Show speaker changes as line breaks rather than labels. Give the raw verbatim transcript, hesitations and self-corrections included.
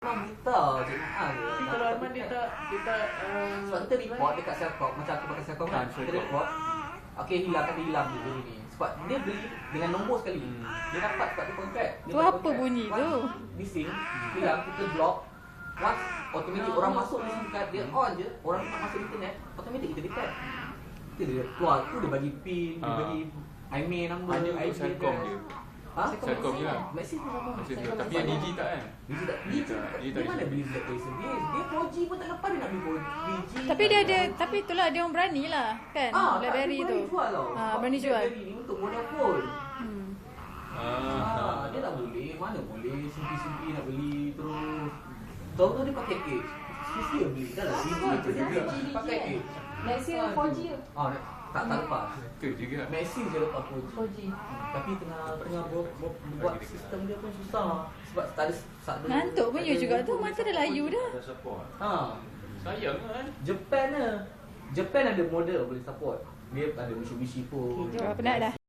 Memang buta je mahal je.
Kalau memang dia tak dia tak uh,
Sebab kita report dekat Selcom, macam aku pakai Selcom kan, kita report, okay hilang, kata hilang je benda ni. Sebab dia beli dengan nombor sekali. Hmm. Dia dapat sebab dia kontrak.
Tu apa bunyi tu?
Bising, hilang, kita block. Once automatic orang masuk di SIM card, dia on je, orang tak masuk internet, automatic kita detect. Kita dia keluar, tu dia bagi pin, dia bagi I M E I number,
hanya
I
untuk Selcom je.
Ha?
Selcom je lah.
Maxis pun sama.
Maxis je. Tapi yang Digi tak kan?
Digi tak. Digi tak.
Digi
Dia
tak.
mana beli Black Tracer? Dia dia four G pun tak lepas dia nak beli four G.
Tapi dia ada, tapi itulah dia orang berani lah kan,
Ah,
BlackBerry
tak,
tu.
dia jual tau.
Ah, berani jual.
BlackBerry ni untuk monopol.
Hmm.
Ah, dia tak boleh. Mana boleh simpi-simpi nak beli terus. Tahu-tahu dia pakai cage. Sisi dia beli. Dah lah Digi tu juga. Pakai cage.
Maxis four G ke?
Ah, tak tak lepas.
Itu juga.
Maxis je lepas four G.
four G.
Tapi tengah tengah buat, buat, buat sistem dia pun susah. Sebab tak ada tak ada.
Ngantuk pun you juga tu, mata dah layu dah.
Ha.
Sayang kan?
Japan lah. Japan ada model boleh support. Dia ada Mitsubishi pun.
Okay, jom penat dah.